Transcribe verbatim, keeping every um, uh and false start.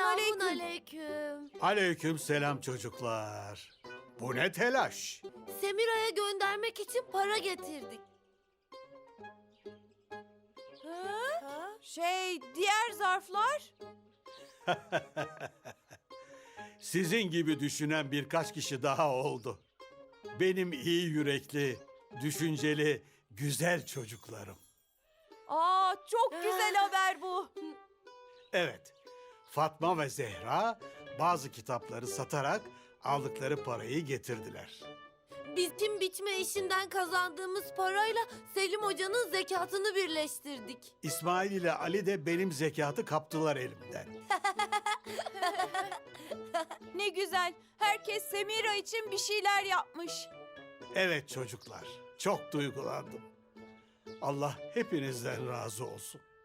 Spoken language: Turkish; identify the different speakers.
Speaker 1: Selamun aleyküm.
Speaker 2: Aleyküm selam çocuklar. Bu ne telaş?
Speaker 1: Semira'ya göndermek için para getirdik.
Speaker 3: Ha? Şey, diğer zarflar?
Speaker 2: Sizin gibi düşünen birkaç kişi daha oldu. Benim iyi yürekli, düşünceli, güzel çocuklarım.
Speaker 3: Aa, çok güzel haber bu.
Speaker 2: Evet, Fatma ve Zehra bazı kitapları satarak aldıkları parayı getirdiler.
Speaker 1: Biçim biçme işinden kazandığımız parayla Selim Hoca'nın zekatını birleştirdik.
Speaker 2: İsmail ile Ali de benim zekatı kaptılar elimden.
Speaker 3: Ne güzel. Herkes Semira için bir şeyler yapmış.
Speaker 2: Evet çocuklar, çok duygulandım. Allah hepinizden razı olsun.